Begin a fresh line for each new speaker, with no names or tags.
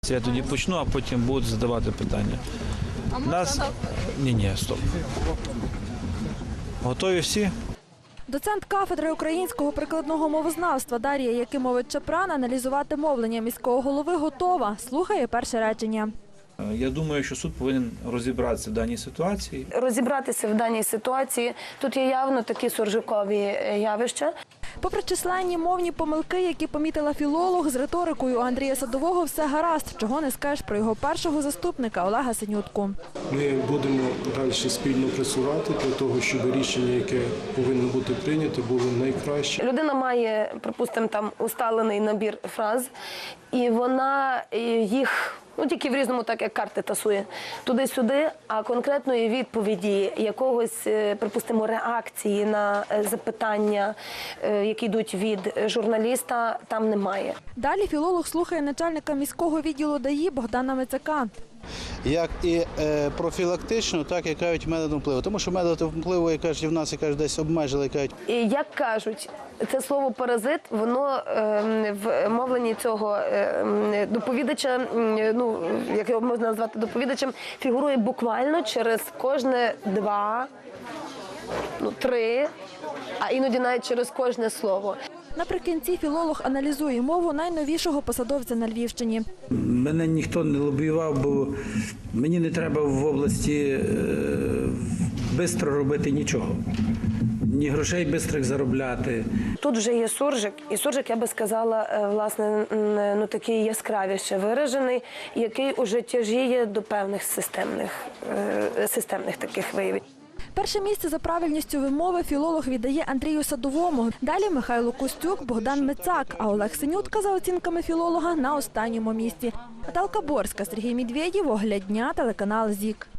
Я тоді почну, а потім будуть задавати питання.
А можна?
Ні, стоп. Готові всі?
Доцент кафедри українського прикладного мовознавства Дар'я Якимович-Чапран аналізувати мовлення міського голови готова. Слухає перше речення.
Я думаю, що суд повинен розібратися в даній ситуації.
Розібратися в даній ситуації. Тут є явно такі суржикові явища.
Попри численні мовні помилки, які помітила філолог, з риторикою у Андрія Садового все гаразд, чого не скажеш про його першого заступника Олега Синютку.
Ми будемо далі спільно працювати для того, щоб рішення, яке повинно бути прийнято, було найкраще.
Людина має, припустимо, там усталений набір фраз, і вона їх, тільки в різному, так як карти тасує, туди-сюди, а конкретної відповіді, якогось, припустимо, реакції на запитання, які йдуть від журналіста, там немає.
Далі філолог слухає начальника міського відділу ДАІ Богдана Мицака.
Як і профілактично, так і кажуть методом впливу. Тому що методом впливу, як кажуть, в нас десь обмежили, кажуть.
І як кажуть, це слово «паразит», воно в мовленні цього доповідача, як його можна назвати доповідачем, фігурує буквально через кожне 2, 3, а іноді навіть через кожне слово.
Наприкінці філолог аналізує мову найновішого посадовця на Львівщині.
Мене ніхто не лобіював, бо мені не треба в області швидко робити нічого. Ні грошей швидких заробляти.
Тут вже є суржик, і суржик, я би сказала, власне, такий яскравіше виражений, який уже тяжіє до певних системних таких виявів.
Перше місце за правильністю вимови філолог віддає Андрію Садовому. Далі Михайло Костюк, Богдан Мицак, а Олег Синютка, за оцінками філолога, на останньому місці. Наталка Борська, Сергій Медведєв, Огляд дня, телеканал ЗІК.